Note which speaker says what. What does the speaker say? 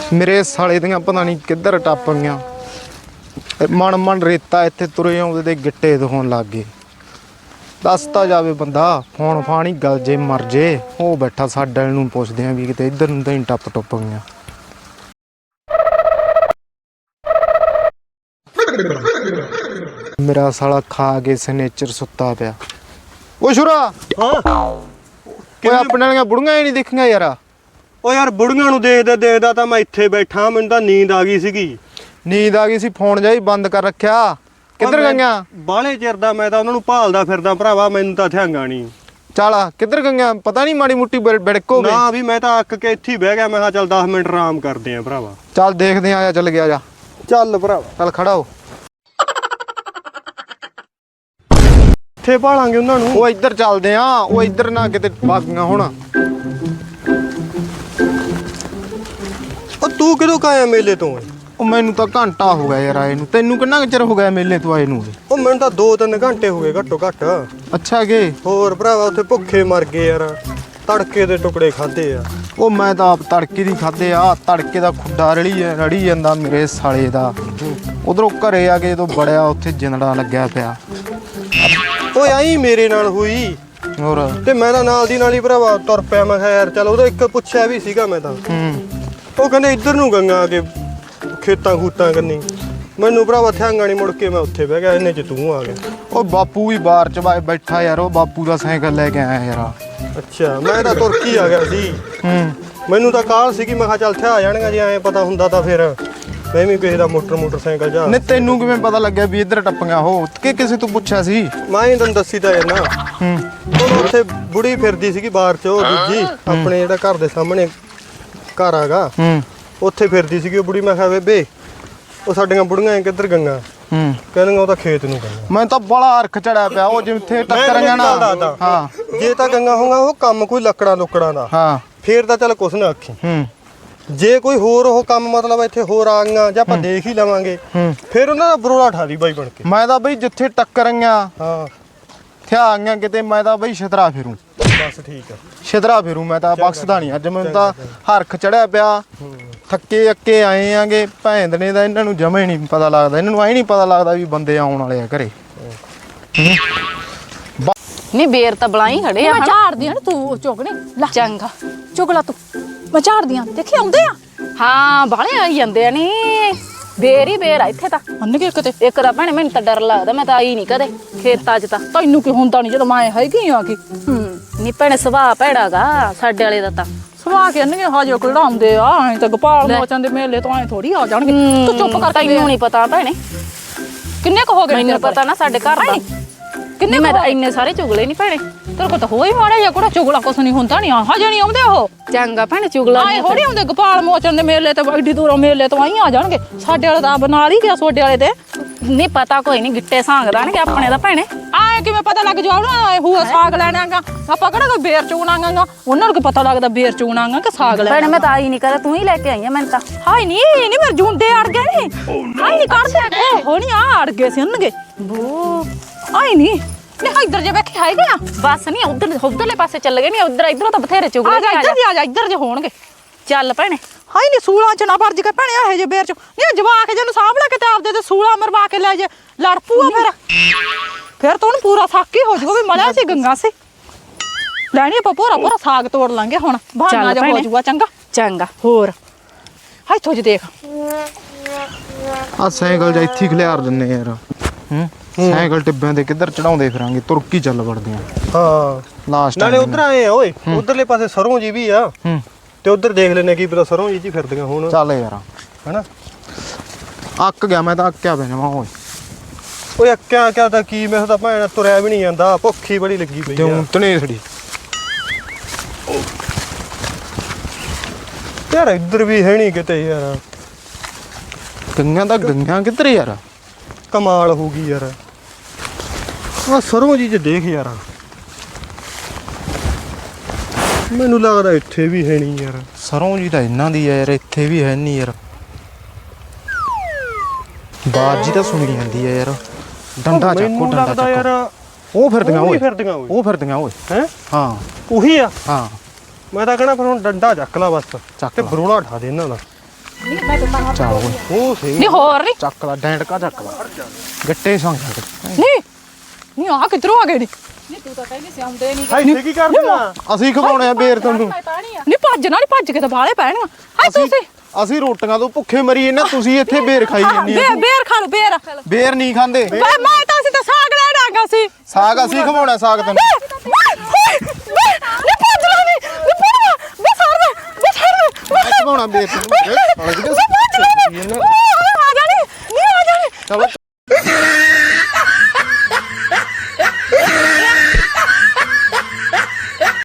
Speaker 1: ਮੇਰੇ ਸਾਲੇ ਦੀਆਂ ਪਤਾ ਨਹੀਂ ਕਿੱਧਰ ਟੱਪ ਗਈਆਂ। ਮਨ ਮਨ ਰੇਤਾ ਇੱਥੇ ਤੁਰੇ ਆਉਂਦੇ ਤੇ ਗਿੱਟੇ ਦਿਖਾਉਣ ਲੱਗ ਗਏ। ਦੱਸਤਾ ਜਾਵੇ ਬੰਦਾ, ਫੋਨ ਫਾਣੀ ਗਲ ਜੇ ਮਰ ਜੇ। ਉਹ ਬੈਠਾ ਸਾਡੇ ਨੂੰ ਪੁੱਛਦੇ ਆ ਵੀ ਕਿਤੇ ਇੱਧਰ ਨੂੰ ਤਾਂ ਹੀ ਟੱਪ ਟੁੱਪ ਗਈਆਂ। ਮੇਰਾ ਸਾਲਾ ਖਾ ਕੇ ਸਿਗਨੇਚਰ ਸੁੱਤਾ ਪਿਆ। ਉਹ ਸ਼ੁਰਾ ਓਏ ਆਪਣੇ ਵਾਲੀਆਂ ਬੁੜੀਆਂ ਹੀ ਨਹੀਂ ਦਿਖੀਆਂ ਯਾਰ।
Speaker 2: ਓ ਯਾਰ ਬੁੜੀਆਂ ਨੂੰ ਦੇਖਦਾ ਦੇਖਦਾ ਤਾਂ ਮੈਂ ਇੱਥੇ ਬੈਠਾ, ਮੈਨੂੰ ਤਾਂ ਨੀਂਦ ਆ ਗਈ ਸੀਗੀ।
Speaker 1: ਨੀਂਦ ਆ ਗਈ ਸੀ, ਫੋਨ ਜਾਈ ਬੰਦ ਕਰ ਰੱਖਿਆ। ਕਿੱਧਰ ਗਈਆਂ?
Speaker 2: ਬਾਹਲੇ ਚਿਰ ਦਾ ਮੈਂ ਤਾਂ ਉਹਨਾਂ ਨੂੰ ਭਾਲਦਾ ਫਿਰਦਾ ਭਰਾਵਾ, ਮੈਨੂੰ ਤਾਂ ਥਿਆਂਗਾ ਨਹੀਂ।
Speaker 1: ਚੱਲ ਕਿੱਧਰ ਗਈਆਂ? ਪਤਾ ਨਹੀਂ ਮਾੜੀ ਮੁੱਟੀ ਬਿੜਕੋ ਗਏ
Speaker 2: ਨਾ ਵੀ ਮੈਂ ਤਾਂ ਅੱਕ ਕੇ ਇੱਥੇ ਹੀ ਬਹਿ ਗਿਆ। ਮੈਂ ਕਿਹਾ ਚੱਲ 10 ਮਿੰਟ ਆਰਾਮ ਕਰਦੇ ਆ ਭਰਾਵਾ।
Speaker 1: ਚੱਲ ਦੇਖਦੇ ਆ, ਚੱਲ ਗਿਆ ਜਾ।
Speaker 2: ਚੱਲ ਭਰਾਵਾ
Speaker 1: ਚੱਲ ਖੜਾ ਹੋ।
Speaker 2: ਇੱਥੇ ਭਾਲਾਂਗੇ ਉਹਨਾਂ ਨੂੰ।
Speaker 1: ਉਹ ਇੱਧਰ ਚੱਲਦੇ ਆ, ਉਹ ਇੱਧਰ ਨਾ ਕਿਤੇ ਬਾਗੀਆਂ ਹੁਣ।
Speaker 2: ਉਹ ਤੂੰ ਕਿਦੋਂ ਕਾਇਆ ਮੇਲੇ ਤੋਂ?
Speaker 1: ਉਹ ਮੈਨੂੰ ਤਾਂ ਘੰਟਾ ਹੋ ਗਿਆ ਯਾਰ ਆਏ ਨੂੰ। ਤੈਨੂੰ ਕਿੰਨਾ ਚਿਰ ਹੋ ਗਿਆ ਮੇਲੇ ਤੋਂ ਆਏ ਨੂੰ?
Speaker 2: ਉਹ ਮੈਨੂੰ ਤਾਂ 2-3 ਘੰਟੇ ਹੋ ਗਏ ਘੱਟੋ ਘੱਟ।
Speaker 1: ਅੱਛਾ ਗੇ?
Speaker 2: ਹੋਰ ਭਰਾਵਾ ਉੱਥੇ ਭੁੱਖੇ ਮਰ ਗਏ ਯਾਰ, ਤੜਕੇ ਦੇ ਟੁਕੜੇ ਖਾਦੇ ਆ।
Speaker 1: ਉਹ ਮੈਂ ਤਾਂ ਆਪ ਤੜਕੇ ਦੀ ਖਾਦੇ ਆ। ਤੜਕੇ ਦਾ ਖੁੱਡਾ ਰੜੀ ਜਾਂਦਾ ਮੇਰੇ ਸਾਲੇ ਦਾ। ਉਧਰੋਂ ਘਰੇ ਆ ਕੇ ਜਦੋਂ ਬੜਿਆ ਉੱਥੇ ਜਿੰਦੜਾ ਲੱਗਿਆ ਪਿਆ।
Speaker 2: ਓਏ ਆਈ ਮੇਰੇ ਨਾਲ ਹੋਈ
Speaker 1: ਹੋਰ
Speaker 2: ਤੇ ਮੈਂ ਤਾਂ ਨਾਲ ਦੀ ਨਾਲ ਹੀ ਭਰਾਵਾ ਤੁਰ ਪਿਆ। ਮੈਂ ਕਿਹਾ ਯਾਰ ਚੱਲ, ਉਹਦਾ ਇੱਕ ਪੁੱਛਿਆ ਵੀ ਸੀਗਾ ਮੈਂ ਤਾਂ। ਉਹ ਕਹਿੰਦੇ ਇੱਧਰ ਨੂੰ ਗੰਗਾ ਕੇ ਖੇਤਾਂ ਖੂਤਾਂ ਕੰਨੀ। ਮੈਨੂੰ ਭਰਾਵਾ ਥਿਆਂਗਾ ਨਹੀਂ, ਮੁੜ ਕੇ ਮੈਂ ਉੱਥੇ ਬਹਿ ਗਿਆ। ਇੰਨੇ ਚ ਤੂੰ ਆ ਗਿਆ।
Speaker 1: ਉਹ ਬਾਪੂ ਵੀ ਬਾਹਰ ਚ ਬੈਠਾ ਯਾਰ। ਉਹ ਬਾਪੂ ਦਾ ਸਾਈਕਲ ਲੈ ਕੇ ਆਇਆ ਯਾਰ।
Speaker 2: ਅੱਛਾ ਮੈਂ ਤਾਂ ਤੁਰ ਕੇ ਆ ਗਿਆ ਸੀ। ਮੈਨੂੰ ਤਾਂ ਕਾਹਲ ਸੀਗੀ, ਮੈਂ ਕਿਹਾ ਚੱਲ ਥਿਆ ਜਾਣਗਾ। ਜੇ ਐਂ ਪਤਾ ਹੁੰਦਾ ਤਾਂ ਫਿਰ ਮੈਂ ਵੀ ਕਿਸੇ ਦਾ ਮੋਟਰਸਾਈਕਲ ਜਾ।
Speaker 1: ਨਹੀਂ ਤੈਨੂੰ ਕਿਵੇਂ ਪਤਾ ਲੱਗਿਆ ਵੀ ਇੱਧਰ ਟੱਪੀਆਂ? ਉਹ ਕਿ ਕਿਸੇ ਤੋਂ ਪੁੱਛਿਆ ਸੀ?
Speaker 2: ਮੈਂ ਹੀ ਤੈਨੂੰ ਦੱਸੀ ਤਾਂ ਨਾ। ਉਹ ਉੱਥੇ ਬੁੜੀ ਫਿਰਦੀ ਸੀਗੀ ਬਾਹਰ ਚ, ਉਹ ਦੂਜੀ ਆਪਣੇ ਜਿਹੜਾ ਘਰ ਦੇ ਸਾਹਮਣੇ ਘਰ ਆਗਾ, ਉੱਥੇ ਫਿਰਦੀ ਸੀਗੀ ਉਹ ਬੁੜੀ। ਮੈਂ ਕਿਹਾ ਬੇਬੇ ਉਹ ਸਾਡੀਆਂ ਬੁੜੀਆਂ ਕਿੱਧਰ ਗੰਗਾ? ਕਹਿੰਦੀਆਂ ਉਹ ਤਾਂ ਖੇਤ ਨੂੰ ਗੰਗਾ।
Speaker 1: ਮੈਂ ਤਾਂ ਬੜਾ ਅਰਖ ਚੜਿਆ ਪਿਆ। ਉਹ ਜਿੱਥੇ ਟੱਕਰੀਆਂ ਨਾ।
Speaker 2: ਹਾਂ ਜੇ ਤਾਂ ਗੰਗਾ ਹੋਊਗਾ ਉਹ ਕੰਮ ਕੋਈ ਲੱਕੜਾਂ ਲੁੱਕੜਾਂ ਦਾ,
Speaker 1: ਹਾਂ
Speaker 2: ਫੇਰ ਤਾਂ ਚੱਲ ਕੁਛ ਨਾ ਆਖੀ। ਜੇ ਕੋਈ ਹੋਰ ਉਹ ਕੰਮ ਮਤਲਬ ਇੱਥੇ ਹੋਰ ਆ ਗਈਆਂ ਜਾਂ ਆਪਾਂ ਦੇਖ ਹੀ ਲਵਾਂਗੇ, ਫਿਰ ਉਹਨਾਂ ਦਾ ਬਰੋਲਾ ਠਾ ਦੀ ਬਾਈ ਬਣ ਕੇ।
Speaker 1: ਮੈਂ ਤਾਂ ਬਈ ਜਿੱਥੇ ਟੱਕਰੀਆਂ
Speaker 2: ਹਾਂ
Speaker 1: ਥਿਆ ਆਈਆਂ ਕਿਤੇ, ਮੈਂ ਤਾਂ ਬਈ ਛਤਰਾ ਫਿਰੂ।
Speaker 2: ਬਸ ਠੀਕ ਆ,
Speaker 1: ਛਤਰਾ ਫਿਰੂ। ਮੈਂ ਤਾਂ ਬਖਸ਼ਦਾ ਨਹੀਂ। ਅੱਜ ਮੈਨੂੰ ਤਾਂ ਹਰਖ ਚੜਿਆ ਪਿਆ। ਥੱਕੇ ਅੱਕੇ ਆਏ ਆਂਗੇ। ਭੈਣ ਨੇ ਦਾ ਇਹਨਾਂ ਨੂੰ ਜਮੇ ਨਹੀਂ ਪਤਾ ਲੱਗਦਾ। ਇਹਨਾਂ ਨੂੰ ਐ ਨਹੀਂ ਪਤਾ ਲੱਗਦਾ ਵੀ ਬੰਦੇ ਆਉਣ ਵਾਲੇ ਆ ਘਰੇ।
Speaker 3: ਨਹੀਂ ਬੇਰ ਤਾਂ ਬਲਾਈ ਖੜੇ ਆ।
Speaker 4: ਮੈਂ ਝਾੜਦੀ ਆ ਨਾ, ਤੂੰ ਚੁੱਕ ਨਹੀਂ
Speaker 3: ਚੰਗਾ
Speaker 4: ਚੁੱਕ ਲਾ ਤੂੰ। ਮੈਂ ਝਾੜਦੀ ਆ, ਦੇਖੀ ਆਉਂਦੇ ਆ।
Speaker 3: ਹਾਂ ਬਾਲੇ ਆਈ ਜਾਂਦੇ ਆ। ਨੀ ਬੇਰ ਹੀ ਬੇਰ ਆ ਇੱਥੇ ਤਾਂ।
Speaker 4: ਅੰਨ ਕੇ ਕਿਤੇ
Speaker 3: ਇੱਕ ਤਾਂ ਭੈਣੇ ਮੈਨੂੰ ਤਾਂ ਡਰ ਲੱਗਦਾ। ਮੈਂ ਤਾਂ ਆਈ ਨਹੀਂ ਕਦੇ ਖੇਤਾਂ 'ਚ ਤਾਂ।
Speaker 4: ਤੈਨੂੰ ਕੀ ਹੁੰਦਾ ਨਹੀਂ ਜਦੋਂ ਮੈਂ ਹੈਗੀ ਆ ਕੀ।
Speaker 3: ਨੀ ਭੈਣੇ ਸੁਭਾਅ ਭੈੜਾਗਾ ਸਾਡੇ ਵਾਲੇ ਦਾ ਤਾਂ।
Speaker 4: ਸਵਾ ਕੇ ਅੰਨੇ ਹਾਜੋ ਕਿਹੜਾ ਆਉਂਦੇ ਆ। ਐਂ ਤਾਂ ਗੋਪਾਲ ਮੋਚਨ ਦੇ ਮੇਲੇ ਤੋਂ ਐਂ ਥੋੜੀ ਆ ਜਾਣਗੇ। ਤੂੰ ਚੁੱਪ ਕਰ।
Speaker 3: ਤੈਨੂੰ ਨਹੀਂ ਪਤਾ ਭੈਣੇ,
Speaker 4: ਕਿੰਨੇ ਕੁ ਹੋ ਗਏ?
Speaker 3: ਮੈਨੂੰ ਪਤਾ ਨਾ ਸਾਡੇ ਘਰ ਦਾ।
Speaker 4: ਕਿੰਨੇ
Speaker 3: ਮੈਂ ਤਾਂ ਇੰਨੇ ਸਾਰੇ ਚੁਗਲੇ ਨਹੀਂ ਭੈਣੇ।
Speaker 4: ਤੇਰੇ ਕੋਲ ਤਾਂ ਹੋਈ ਮਾੜਾ ਜਿਹਾ ਕੋੜਾ ਚੁਗਲਾ ਕੁਛ ਨਹੀਂ ਹੁੰਦਾ। ਨਹੀਂ ਹਜੇ ਨਹੀਂ ਆਉਂਦੇ ਉਹ।
Speaker 3: ਚੰਗਾ ਭੈਣੇ ਚੁਗਲਾ
Speaker 4: ਆਏ ਥੋੜੀ ਆਉਂਦੇ ਗੋਪਾਲ ਮੋਚਨ ਦੇ ਮੇਲੇ ਤੇ ਐਡੀ ਦੂਰੋਂ ਮੇਲੇ ਤੋਂ ਆਈ ਆ ਜਾਣਗੇ। ਸਾਡੇ ਵਾਲੇ ਤਾਂ ਬਣਾ ਲਈ ਗਿਆ ਸੋਡੇ ਵਾਲੇ ਤੇ।
Speaker 3: ਨਹੀਂ ਪਤਾ ਕੋਈ ਨਹੀਂ, ਗਿੱਟੇ ਸਾਂਗ ਦਾਣਗੇ ਆਪਣੇ ਦਾ ਭੈਣੇ।
Speaker 4: ਆਏ ਕਿਵੇਂ ਪਤਾ ਲੱਗ ਜਾਉਣਾ? ਹੂਆ ਸਾਗ ਲੈਣਾਗਾ ਆਪਾਂ ਕਿਹੜਾ ਕੋਈ ਬੇਰ ਚੂਣਾਂਗਾ। ਉਹਨਾਂ ਨੂੰ ਕੀ ਪਤਾ ਲੱਗਦਾ ਬੇਰ ਚੂਣਾਂਗਾ ਕਿ ਸਾਗ ਲੈਣਾ?
Speaker 3: ਭੈਣੇ ਮੈਂ ਤਾਂ ਆਈ ਨਹੀਂ ਕਦੇ, ਤੂੰ ਹੀ ਲੈ ਕੇ ਆਈ ਆ। ਮੈਨੂੰ ਤਾਂ
Speaker 4: ਹਾਏ ਨਹੀਂ ਮੇਰੇ ਜੁੰਡੇ ਅੜ ਗਏ ਨੇ। ਹਾਏ ਨਹੀਂ ਕਰਦੇ ਹੋ ਨਹੀਂ ਆ ਅੜ ਗਏ ਸੀ ਉਹਨਗੇ।
Speaker 3: ਬੂ
Speaker 4: ਆਏ ਨਹੀਂ ਇੱਧਰ ਜੇ ਵੇਖੇ ਹੈਗੇ ਆ।
Speaker 3: ਬਸ ਨਹੀਂ ਉਧਰਲੇ ਪਾਸੇ ਚੱਲ ਗਏ। ਨਹੀਂ ਉਧਰ ਇਧਰੋਂ ਤਾਂ ਬਥੇਰੇ ਚੁਗਲੇ।
Speaker 4: ਆ ਜਾ ਇੱਧਰ ਜੇ ਹੋਣਗੇ।
Speaker 3: ਚੱਲ ਭੈਣੇ।
Speaker 4: ਹਾਏ ਨਹੀਂ ਸੂਲਾਂ ਚ ਨਾ ਵਰਜ ਕੇ ਭੈਣੇ ਇਹੋ ਜੇ ਬੇਰ ਚ ਨਹੀਂ ਜਵਾਕ ਜਿਹਨੂੰ ਸਾਂਭ ਲੈ ਕੇ ਤੇ ਆਪਦੇ ਤੇ ਸੂਲਾ ਮਰਵਾ ਕੇ ਲੈ ਜੇ ਲੜ ਪੂਆ। ਫਿਰ ਤਾਂ ਉਹਨੂੰ ਪੂਰਾ ਸਾਕੀ ਹੋ ਜਾਊਗਾ ਵੀ ਮਲਿਆ ਸੀ ਗੰਗਾ ਸੀ। ਲੈਣੀ ਆਪਾਂ ਪੂਰਾ ਸਾਗ ਤੋੜ ਲਾਂਗੇ ਹੁਣ। ਬਹਾਨਾ ਜਾ ਹੋ ਜਾਊਗਾ। ਚੰਗਾ
Speaker 3: ਚੰਗਾ।
Speaker 4: ਹੋਰ ਹਾਏ ਥੋਜ ਦੇਖ
Speaker 1: ਆ ਸਾਈਕਲ ਜਾਂ ਇੱਥੇ ਖਿਲਾਰ ਦਿੰਨੇ ਯਾਰ। ਸਾਈਕਲ ਟਿੱਬਿਆਂ ਦੇ ਕਿੱਧਰ ਚੜਾਉਂਦੇ ਫਿਰਾਂਗੇ। ਤੁਰਕੀ ਚੱਲ ਵੜਦੇ ਆ।
Speaker 2: ਹਾਂ
Speaker 1: ਲਾਸਟ
Speaker 2: ਨਾਲੇ ਉਧਰ ਆਏ ਆ ਓਏ, ਉਧਰਲੇ ਪਾਸੇ ਸਰੋਂ ਜੀ ਵੀ ਆ। ਤੇ ਉਧਰ ਦੇਖ ਲੈਨੇ ਕੀ ਪਤਾ ਸਰੋਂ ਜੀ ਫਿਰਦੀਆਂ ਹੁਣ।
Speaker 1: ਚੱਲ ਯਾਰ
Speaker 2: ਹਨਾ
Speaker 1: ਅੱਕ ਗਿਆ ਮੈਂ ਤਾਂ। ਅੱਕਿਆ ਪਿਆ ਜਮਾ।
Speaker 2: ਓਏ ਅੱਕਿਆ ਕਿਆ ਤਾਂ ਕੀ, ਮੈਂ ਤਾਂ ਭੈਣ ਤੁਰਿਆ ਵੀ ਨਹੀਂ ਜਾਂਦਾ। ਭੁੱਖੀ ਬੜੀ ਲੱਗੀ ਪਈ ਆ
Speaker 1: ਤਨੇਸੜੀ
Speaker 2: ਯਾਰ। ਇੱਧਰ ਵੀ ਹੈ ਨਹੀਂ ਕਿਤੇ ਯਾਰ।
Speaker 1: ਗੰਗਾਂ ਕਿੱਧਰ ਯਾਰ?
Speaker 2: ਕਮਾਲ ਹੋ ਗਈ ਯਾਰ। ਆ ਸਰੋਂ ਜੀ ਦੇਖ ਯਾਰ। ਮੈਨੂੰ ਲੱਗਦਾ ਇੱਥੇ ਵੀ ਹੈ ਨਹੀਂ ਯਾਰ।
Speaker 1: ਸਰੋਂ ਜੀ ਤਾਂ ਇਹਨਾਂ ਦੀ ਆ ਯਾਰ, ਇੱਥੇ ਵੀ ਹੈ ਨਹੀਂ ਯਾਰ। ਬਾਤ ਜੀ ਤਾਂ ਸੁਣੀ ਜਾਂਦੀ ਆ ਯਾਰ। ਡੰਡਾ ਚੱਕੋ ਡੰਡਾ ਚੱਕੋ
Speaker 2: ਯਾਰ।
Speaker 1: ਉਹ ਫਿਰਦੀਆਂ ਓਏ।
Speaker 2: ਉਹ
Speaker 1: ਫਿਰਦੀਆਂ ਓਏ।
Speaker 2: ਹੈ
Speaker 1: ਹਾਂ
Speaker 2: ਉਹੀ ਆ।
Speaker 1: ਹਾਂ
Speaker 2: ਮੈਂ ਤਾਂ ਕਹਣਾ ਫਿਰ ਹੁਣ ਡੰਡਾ ਚੱਕ ਲਾ ਬਸ
Speaker 1: ਚੱਕ
Speaker 2: ਤੇ
Speaker 1: ਲਾ।
Speaker 2: ਬਰੋਲਾ ਠਾ ਦੇ ਇਹਨਾਂ ਦਾ।
Speaker 1: ਚੱਲ ਓਏ
Speaker 2: ਉਹ ਸੀ
Speaker 4: ਨਹੀਂ ਹੋਰ ਨਹੀਂ
Speaker 1: ਚੱਕ ਲਾ ਡੈਂਟਕਾ ਚੱਕ ਲਾ ਗੱਟੇ ਸੰਗ
Speaker 4: ਨਹੀਂ ਆ ਕਿੱਧਰੋਂ ਆ ਗਏ ਨੀ
Speaker 2: ਇੱਥੇ ਕੀ ਕਰਦੇ ਆ
Speaker 1: ਅਸੀਂ ਖਵਾਉਣੇ ਆ ਬੇਰ ਤੁਹਾਨੂੰ
Speaker 4: ਨਹੀਂ ਭੱਜ ਕੇ ਤਾਂ ਬਾਲੇ ਪੈਣੀਆਂ ਹਾਏ ਤੁਸੀਂ
Speaker 1: ਅਸੀਂ ਰੋਟੀਆਂ ਤੋਂ ਭੁੱਖੇ ਮਰੀਏ ਨਾ ਤੁਸੀਂ ਇੱਥੇ ਬੇਰ ਖਾਈ ਜਾਂਦੀ ਆ
Speaker 4: ਬੇਰ ਖਾ ਲਓ ਬੇਰ
Speaker 1: ਬੇਰ ਨਹੀਂ ਖਾਂਦੇ
Speaker 4: ਮੈਂ ਤਾਂ ਅਸੀਂ ਤਾਂ ਸਾਗ ਲੈ ਡਾਂਗਾ ਸੀ
Speaker 1: ਸਾਗ ਅਸੀਂ ਖਵਾਉਣਾ ਸਾਗ ਤੈਨੂੰ
Speaker 4: ਨਹੀਂ ਭੱਜ ਲਾ ਨਹੀਂ ਪੜਵਾ ਬਸ
Speaker 1: ਖਵਾਉਣਾ ਬੇਰ ਤੈਨੂੰ
Speaker 4: ਆ ਜਾਣੀ ਨਹੀਂ ਆ ਜਾਣੀ
Speaker 1: ਚਲੋ